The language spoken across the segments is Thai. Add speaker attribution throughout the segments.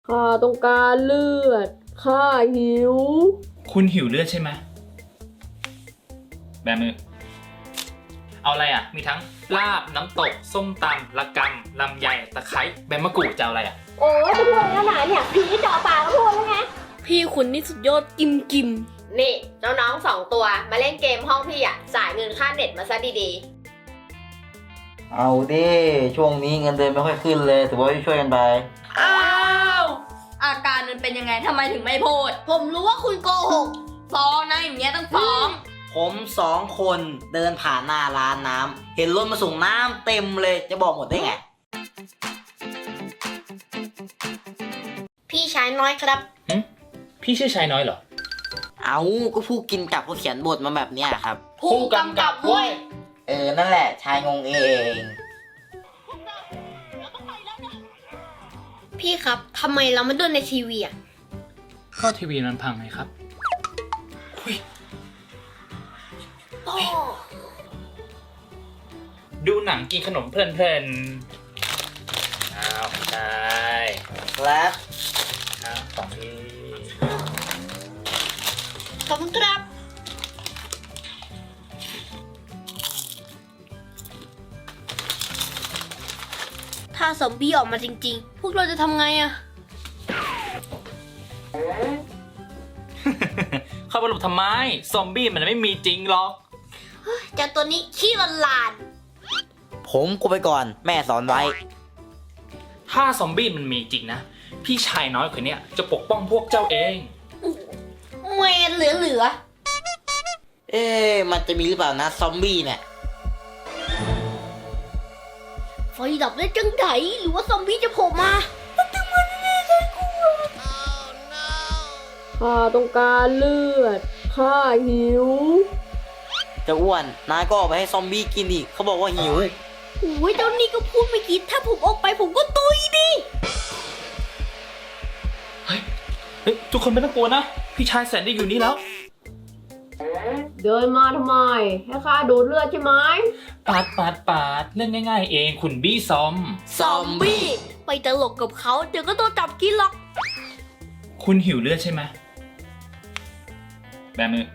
Speaker 1: ข้าต้องการเลือดข้าหิว
Speaker 2: คุณหิวเลือดใช่ไหมแบมือเอาอะไรอ่ะมีทั้งลาบน้ำตกส้มตำละกำลำไยตะไคร้ใบมะกรูดจะเอาอะไรอ่ะ
Speaker 3: โอ้ยจะพูดแล้วไหนเนี่ยผีเจาะปากก็พูดแล้วไง
Speaker 1: พี่คุณนี่สุดยอดกิม
Speaker 3: นี่น้องๆ2 ตัวมาเล่นเกมห้องพี่อ่ะจ่ายเงินค่าเน็ตมาซะดี
Speaker 4: เอาดิช่วงนี้เงินเดือนไม่ค่อยขึ้นเลยถือว่าช่วยกันไป
Speaker 1: อ้าวอาการมันเป็นยังไงทำไมถึงไม่พูดผมรู้ว่าคุณโกหกฟ้องนะอย่างเงี้ยต้องฟ้อง
Speaker 4: ผม2 คนเดินผ่านหน้าร้านน้ำเห็นรถมาส่งน้ำเต็มเลยจะบอกหมดได้ไง
Speaker 3: พี่ชายน้อยครับ
Speaker 2: พี่ชื่อชายน้อยเหรอ
Speaker 4: เอาก็ผู้กินกับเขาเขียนบทมาแบบเนี้ยครับ
Speaker 1: ผู้กำกับเว้ย
Speaker 4: นั่นแหละชายงงเอง
Speaker 3: พี่ครับทำไมเราไม่ดูในทีวีอ่ะ
Speaker 2: ก็ทีวีมันพังไงครับดูหนังกินขนมเพลินๆอ้าวได้
Speaker 4: ครับ
Speaker 2: ของพี่
Speaker 3: ขอบคุณครับถ้าซอมบี้ออกมาจริงๆพวกเราจะทำไงอะ
Speaker 2: เข้าไปหลบทำไมซอมบี้มันไม่มีจริงหรอก
Speaker 3: เจ้าตัวนี้ขี้ลาน
Speaker 4: ผมกูไปก่อนแม่สอนไว้
Speaker 2: ถ้าซอมบี้มันมีจริงนะพี่ชายน้อยคนเนี้ยจะปกป้องพวกเจ้าเอง
Speaker 3: เวรเหลือ
Speaker 4: มันจะมีหรือเปล่านะซอมบี้เนี่ย
Speaker 3: ไฟดับได้จังไดหรือว่าซอมบี้จะโผล่มา
Speaker 1: ข้าต้องการเลือดข้าหิว
Speaker 4: จะอ้วนนายก็เอาไปให้ซอมบี้กินอีกเขาบอกว่าหิว
Speaker 3: โอ้ยเจ้านี่ก็พูดไม่คิดถ้าผมออกไปผมก็ตุยดิ
Speaker 2: เฮ้ยทุกคนไม่ต้องกลัวนะพี่ชายแสนดีอยู่นี่แล้ว
Speaker 1: เดินมาทำไมให้ข้าดูดเลือดใช่ไหม
Speaker 2: ปาดเล่นง่ายๆเองคุณบี้ซอม
Speaker 3: บี้ไปตลกกับเขาเดี๋ยวก็โดนจับกินหรอก
Speaker 2: คุณหิวเลือดใช่ไหมแบมือ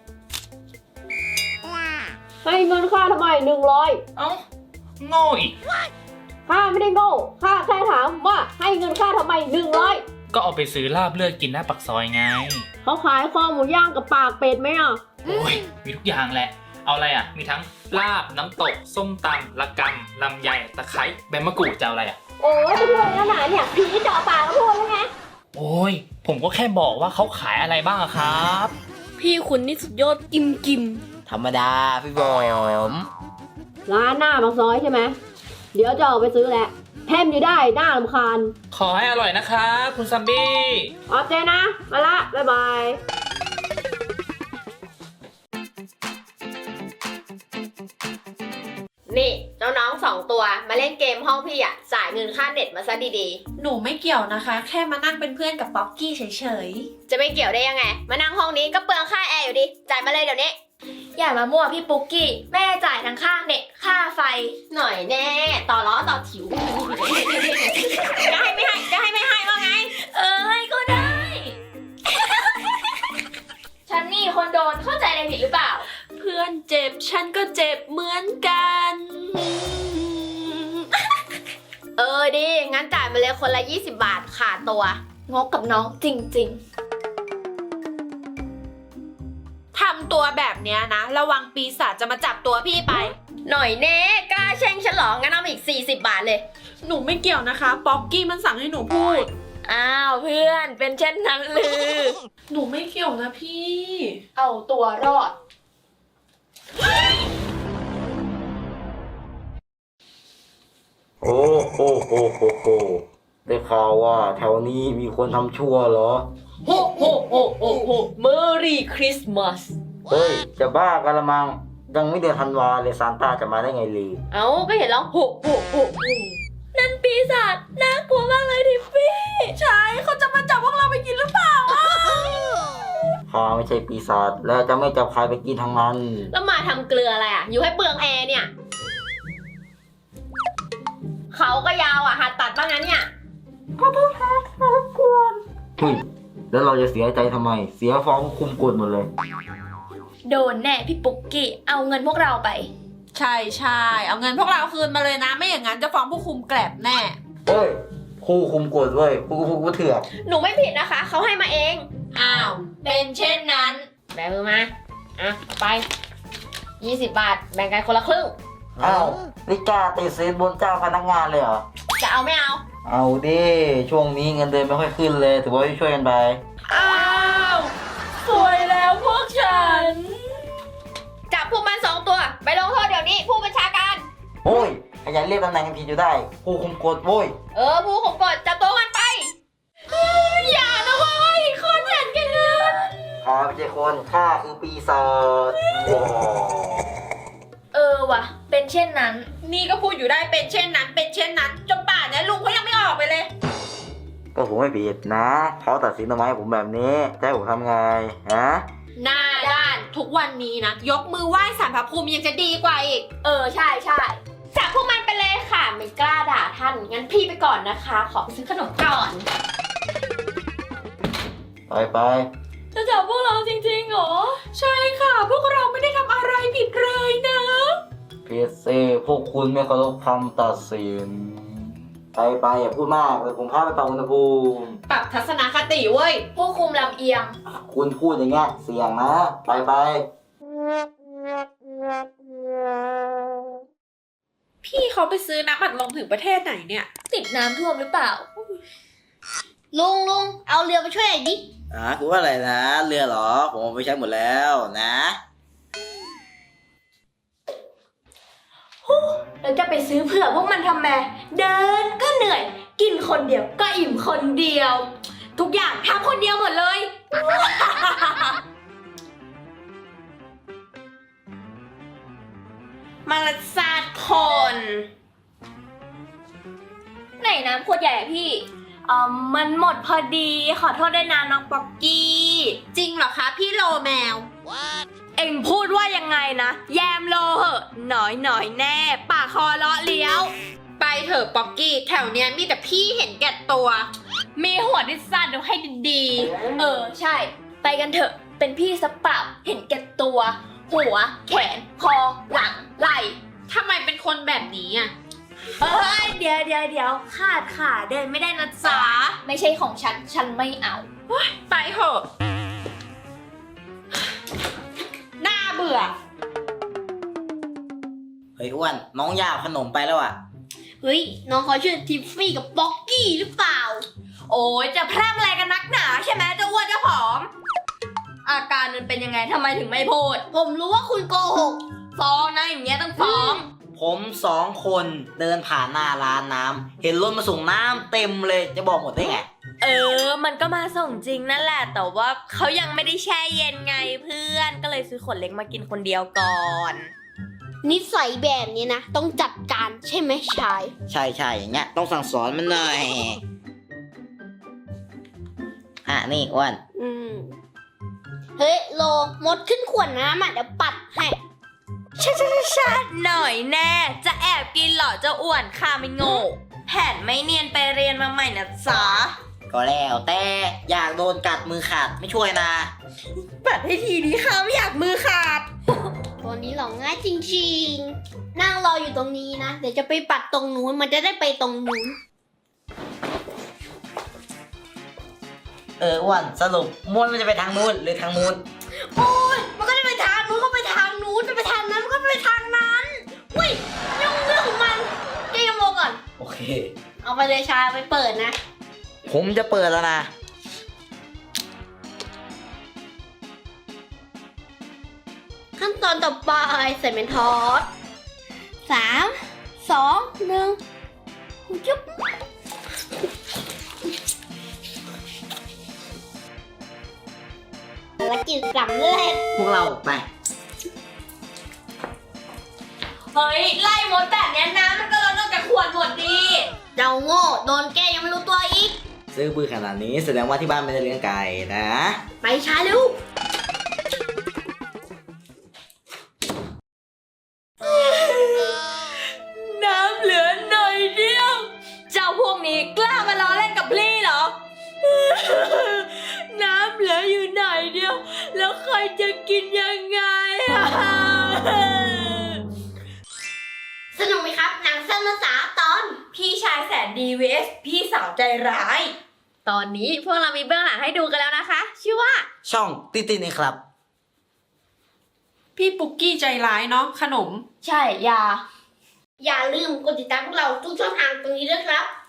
Speaker 1: ให้เงินข้าทำไม100
Speaker 2: เอ้าโง่อีก
Speaker 1: ข้าไม่ได้โง่ข้าแค่ถามว่าให้เงินข้าทำไม100
Speaker 2: ก็เอาไปซื้อลาบเลือดกินหน้าปากซอยไง
Speaker 1: เขาขายคอหมูย่างกับปากเป็ดไหมอ่ะ
Speaker 2: โอ้ยมีทุกอย่างแหละเอาอะไรอ่ะมีทั้งลาบน้ำตกส้มตำละกำลำไยตะไคร้ใบมะกรูดจะเอาอะไรอ่ะ
Speaker 3: โอ้ยจะพูดแล้วไหนเนี่ยผีเจาะปากก็พูดแล้วไง
Speaker 2: โอ้ยผมก็แค่บอกว่าเขาขายอะไรบ้างอะครับ
Speaker 1: พี่คุณนี่สุดยอดกิม
Speaker 4: ธรรมดาพี่บอม
Speaker 1: ร้านหน้าปากซอยใช่ไหมเดี๋ยวจะออกไปซื้อแหละแถมอยู่ได้หน้ารำคาญ
Speaker 2: ขอให้อร่อยนะครับคุณซัมบี้
Speaker 1: โอเคนะมาละบ๊ายบาย
Speaker 3: นี่น้องๆ2 ตัวมาเล่นเกมห้องพี่อ่ะจ่ายเงินค่าเน็ตมาซะดี
Speaker 5: ๆหนูไม่เกี่ยวนะคะแค่มานั่งเป็นเพื่อนกับป๊อกกี้เฉย
Speaker 3: ๆจะไม่เกี่ยวได้ยังไงมานั่งห้องนี้ก็เปลืองค่าแอร์อยู่ดิจ่ายมาเลยเดี๋ยวนี้
Speaker 5: อย่ามามั่วพี่ปุ๊กกี้แม่จ่ายทั้งค่าเน็ตค่าไฟ
Speaker 3: หน่อยแน่ต่อล้อต่อถิวจะให้ไม่ให้ว่าไง
Speaker 5: ให้ก็ได้ฉันนี่คนโดนเข้าใจอะไรผิดหรือเปล่าเพื่อนเจ็บฉันก็เจ็บเหมือนกัน
Speaker 3: ดีงั้นจ่ายมาเลยคนละ20 บาทขาดตัว
Speaker 5: งกกับน้องจริงๆทำตัวแบบเนี้ยนะระวังปีศาจจะมาจับตัวพี่ไป
Speaker 3: หน่อยแน่กล้าแช่งฉันหรองั้นเอาอีก40 บาทเลย
Speaker 5: หนูไม่เกี่ยวนะคะป๊อกกี้มันสั่งให้หนูพูด
Speaker 3: อ้าวเพื่อนเป็นเช่นนั้นหรือ
Speaker 5: หนูไม่เกี่ยวนะพี่
Speaker 3: เอาตัวรอด
Speaker 4: โอ้โหได้ข่าวว่าแถวนี้มีคนทำชั่วเหรอ
Speaker 1: โฮเมอรี่คริสต์มาส
Speaker 4: เฮ้ยจะบ้ากันละมังยังไม่เดือนธันวาเลยซานต้าจะมาได้ไงลือ
Speaker 1: ก็เห็นแล้วโฮ
Speaker 5: นั่นปีศาจน่ากลัวมากเลยทิฟฟี่ใช่เขาจะมาจับพวกเราไปกินหรือเปล่า
Speaker 4: ข้าไม่ใช่ปีศาจและจะไม่จับใครไปกินทั้งนั้น
Speaker 3: แล้วมาทำเกลืออะไรอ่ะอยู่ให้เปลืองแอร์เนี่ยเขาก็ยาวอ่ะหัดตัดบ้างนะเนี่ย
Speaker 5: ขอโทษครับรบกวน
Speaker 4: เฮ้ยแล้วเราจะเสียใจทำไม เสียฟ้องคุมกฎหมดเลย
Speaker 5: โดนแน่พี่ปุ๊กกี้เอาเงินพวกเราไป
Speaker 3: ใช่ใช่เอาเงินพวกเราคืนมาเลยนะ ไม่อย่างนั้นจะฟ้องผู้คุมแกลบแน่
Speaker 4: เฮ้ยครูคุมกฎเว้ยครูเถื่อน
Speaker 5: หนูไม่ผิดนะคะเขาให้มาเอง
Speaker 3: อ้าว
Speaker 1: เป็นเช่นนั้น
Speaker 3: แบมือมาอ่ะเอาไป20 บาท แบ่งกันคนละครึ่ง
Speaker 4: อ้าวนี่กล้าติดสินบนเจ้าพนักงานเลยเหรอ
Speaker 3: จะเอาไม่เอา
Speaker 4: เอาดิช่วงนี้เงินเดือนไม่ค่อยขึ้นเลย ถือว่าช่วยกันไป
Speaker 5: อ้าวสวยแล้วพวกฉัน จับพวกมัน2 ตัวไปลงโทษเดี๋ยวนี้ผู้บัญชาการ
Speaker 4: โอ้ยขยันเรียกตำแหน่งกันผิดอยู่ได้ครูคุมกฎโว้ย
Speaker 5: ผู้ข่มกฎจับตัวมันไปอย่านะเว้ยคนเห็นแกันเงิน
Speaker 4: ข้าไม่ใช่คนข้าคือปีศาจ
Speaker 5: ว่ะเป็นเช่นนั้น
Speaker 3: นี่ก็พูดอยู่ได้เป็นเช่นนั้น เป็นเช่นนั้น จนป่านนี้ลุงเขายังไม่ออกไปเลย
Speaker 4: ก็ผมไม่ผิดนะเขาตัดสินทำไมผมแบบนี้จะให้ผมทำไงฮะ
Speaker 3: หน้าด้านทุกวันนี้นะ ยกมือไหว้สารพระภูมิยังจะดีกว่าอีก
Speaker 5: ใช่จับพวกมันไปเลยค่ะไม่กล้าด่าท่านงั้นพี่ไปก่อนนะคะ ขอไปซื้อขนมก่อน
Speaker 4: ไป
Speaker 5: จะจับพวกเราจริงๆเหรอ
Speaker 3: ใช่ค่ะ พวกเราไม่ได้ทำอะไรผิดเลยนะ
Speaker 4: พีเซพวกคุณไม่เคารพคำตัดสินไปอย่าพูดมากเลยผมพาไปปรับอุณหภูมิ
Speaker 3: ปรับทัศนคติเว้ย
Speaker 5: ผู้คุมลำเอียง
Speaker 4: คุณพูดอย่างเงี้ยเสี่ยงนะไป
Speaker 3: พี่เขาไปซื้อน้ำอัดลมถึงประเทศไหนเนี่ย
Speaker 5: ติดน้ำท่วมหรือเปล่า
Speaker 1: ลุงเอาเรือไปช่วยหน่อยดิ
Speaker 4: คุณว่าอะไรนะเรือเหรอผมเอาไปใช้หมดแล้วนะ
Speaker 5: แล้วจะไปซื้อเผื่อพวกมันทำไมเดินก็เหนื่อย กินคนเดียวก็อิ่มคนเดียว ทุกอย่างทำคนเดียวหมดเลย
Speaker 3: มาละซาดคน
Speaker 5: ไหนน้ำขวดใหญ่อะพี่มันหมดพอดีขอโทษด้วยนะน้องป๊อกกี้
Speaker 3: จริงเหรอคะพี่โลแมว
Speaker 5: เอ็งพูดว่ายังไงนะแยมโลเหอะหน่อยแน่ปากคอเลาะเลี้ยว
Speaker 3: ไปเถอะป๊อกกี้แถวเนี้ยมีแต่พี่เห็นแก่ตัว
Speaker 5: มีหัวที่สั้นดูให้ดีๆใช่ ไปกันเถอะเป็นพี่สเปล่าเห็นแก่ตัว หัวแขนคอหลังไหล่
Speaker 3: ทำไมเป็นคนแบบนี้อ่ะ
Speaker 5: เดี๋ยวขาดขาเดินไม่ได้นะจ๊ะไม่ใช่ของฉันไม่เอา
Speaker 3: ไปเถอะน่าเบื่อ
Speaker 4: เฮ้ยอ้วนน้องยาขนมไปแล้วอ่ะ
Speaker 1: เฮ้ย น้องเขาชื่อทิฟฟี่กับป๊อกกี้หรือเปล่า
Speaker 5: โอ้ยจะแพร่มอะไรกันนักหนาใช่ไหมเจ้าอ้วนเจ้าผอม อาการมันเป็นยังไงทำไมถึงไม่พูด
Speaker 1: ผมรู้ว่าคุณโกหก
Speaker 5: ฟ้องนะอย่างเงี้ยต้องฟ้อง
Speaker 4: ผม2 คนเดินผ่านหน้าร้านน้ำเห็นรถมาส่งน้ำเต็มเลยจะบอกหมดได้ไง
Speaker 5: มันก็มาส่งจริงนั่นแหละแต่ว่าเขายังไม่ได้แช่เย็นไงเพื่อนก็เลยซื้อขวดเล็กมากินคนเดียวก่อน
Speaker 1: นิสัยแบบนี้นะ ต้องจัดการใช่ไหมชาย
Speaker 4: ใช่อย่างเงี้ยต้องสั่งสอนมันหน่อยนี่อ้วน
Speaker 1: เฮ้ย โลมดขึ้นขวดน้ำอ่ะเดี๋ยวปัดให้
Speaker 5: ชาหน่อยแน่ จะแอบกินเหรอเจ้าอ้วนข้าไม่โง่แผนไม่เนียนไปเรียนมาใหม่นะจ๊ะ
Speaker 4: ก็แล้วแต่อยากโดนกัดมือขาดไม่ช่วยนะ
Speaker 5: ปัดให้ทีนี้ข้าไม่อยากมือขาด
Speaker 1: ตัวนี้หลอกง่ายจริงๆ นั่งรออยู่ตรงนี้นะ เดี๋ยวจะไปปัดตรงนู้น มันจะได้ไปตรงนู้น
Speaker 4: อ้วนสรุปม้วนมันจะไปทางนู้นหรือทางนู้น
Speaker 1: โอ้ยมันก็จะไปทางนู้นก็ไปทางนู้นจะไปทางนั้นมันก็ไปทางนั้นอุ้ยยุ่งเรื่องของมันแกยังโมก่อน
Speaker 4: โอเค
Speaker 1: เอาไปเลยชาไปเปิดนะ
Speaker 4: ผมจะเปิดแล้วนะ
Speaker 1: ขั้นตอนต่อไปใส่เมนทอส3 2 1จุ๊บภารกิจสำเร็จ
Speaker 4: พวกเราไป
Speaker 5: เฮ้ยไล่มดแบบเนี้ยน้ำมันก็ลดลงจากขวดหมดดี
Speaker 1: เจ้าโง่โดนแกยังไม่รู้ตัวอีก
Speaker 4: ซื้อปืนขนาดนี้แสดงว่าที่บ้านไม่ได้เลี้ยงไก่นะ
Speaker 1: ไปช้าเร็ว
Speaker 5: น้ำเหลือหน่อยเดียว เจ้าพวกนี้กล้ามาล้อเล่นกับ
Speaker 1: น้ำเหลืออยู่ไหนเดียว แล้วใครจะกินยังไงอะ
Speaker 3: สนุกไหมครับ หนังสั้นภาษาตอน
Speaker 1: พี่ชายแสนดี vs พี่สาวใจร้าย
Speaker 3: ตอนนี้พวกเรามีเบื้องหลังให้ดูกันแล้วนะคะ ชื่อว่า
Speaker 4: ช่องติตินี่ครับ
Speaker 6: พี่ปุกกี้ใจร้ายเนาะขนม
Speaker 1: ใช่ยา
Speaker 3: อย่าลืมกดติดตามพวกเราทุกช่องทางตรงนี้ด้วยครับ